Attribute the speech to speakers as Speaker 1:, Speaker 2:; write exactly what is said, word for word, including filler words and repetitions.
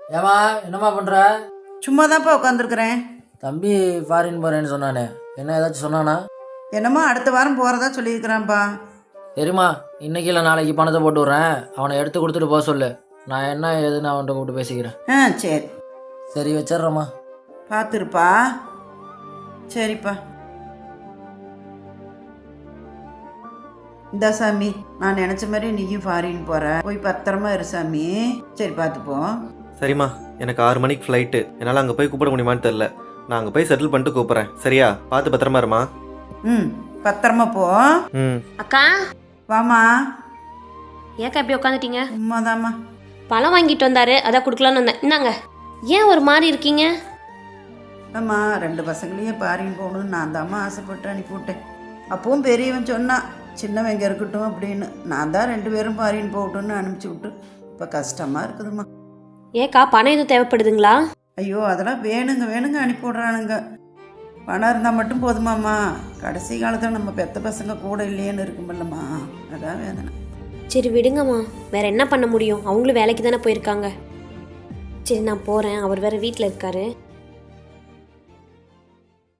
Speaker 1: ஏமா என்னம்மா பண்ணுற?
Speaker 2: சும்மா தான்ப்பா உட்காந்துருக்குறேன்.
Speaker 1: தம்பி ஃபாரின் போகிறேன்னு சொன்னானே, என்ன ஏதாச்சும் சொன்னானா?
Speaker 2: என்னமோ அடுத்த வாரம் போகிறதா சொல்லியிருக்கிறான்ப்பா.
Speaker 1: சரிம்மா, இன்னைக்கு இல்லை நாளைக்கு பணத்தை போட்டு விட்றேன். அவனை எடுத்து கொடுத்துட்டு போக சொல்லு. நான் என்ன ஏதுன்னு அவன்கிட்ட கூப்பிட்டு பேசிக்கிறேன்.
Speaker 2: ஆ சரி.
Speaker 1: சரி வச்சிட்றேம்மா.
Speaker 2: பார்த்துருப்பா. சரிப்பா. இந்த சாமி, நான் நினச்ச மாதிரி நீயும் ஃபாரின் போகிற, போய் பத்திரமா இரு சாமி. சரி பார்த்துப்போம்.
Speaker 3: சரிம்மா, எனக்கு ஆறு மணிக்கு ஃப்ளைட்டு. என்னால் அங்கே போய் கூப்பிட முடியுமான்னு தெரில. நான் அங்கே போய் செட்டில் பண்ணிட்டு கூப்பிட்றேன். சரியா? பார்த்து பத்திரமா இருமா.
Speaker 2: ம் பத்திரமா போ.
Speaker 3: ம்.
Speaker 4: அக்கா
Speaker 2: வாமா.
Speaker 4: ஏக்கா இப்படி உட்காந்துட்டீங்க?
Speaker 2: உண்மைதாம்மா.
Speaker 4: பழம் வாங்கிட்டு வந்தாரு, அதான் கொடுக்கலான்னு வந்தேன். இந்தாங்க. ஏன் ஒரு மாதிரி இருக்கீங்க?
Speaker 2: ஆமா, ரெண்டு பசங்களையும் ஃபாரின் போகணும்னு நான் தாம்மா ஆசைப்பட்டு அனுப்பிவிட்டேன். அப்பவும் பெரியவன் சொன்னான் சின்னவன் எங்கே இருக்கட்டும் அப்படின்னு. நான் தான் ரெண்டு பேரும் ஃபாரின் போகட்டும்னு அனுப்பிச்சி விட்டு இப்போ கஷ்டமாக இருக்குதும்மா.
Speaker 4: ஏக்கா பணம் எதுவும் தேவைப்படுதுங்களா?
Speaker 2: ஐயோ அதெல்லாம் வேணுங்க வேணுங்க அனுப்பி விட்றானுங்க. பணம் இருந்தால் மட்டும் போதுமாம்மா. கடைசி காலத்தில் நம்ம பெத்த பசங்க கூட இல்லையேன்னு இருக்குமில்லம்மா, அதான் வேதனை.
Speaker 4: சரி விடுங்கம்மா, வேற என்ன பண்ண முடியும்? அவங்களும் வேலைக்கு தானே போயிருக்காங்க. சரி நான் போகிறேன், அவர் வேற வீட்டில் இருக்காரு.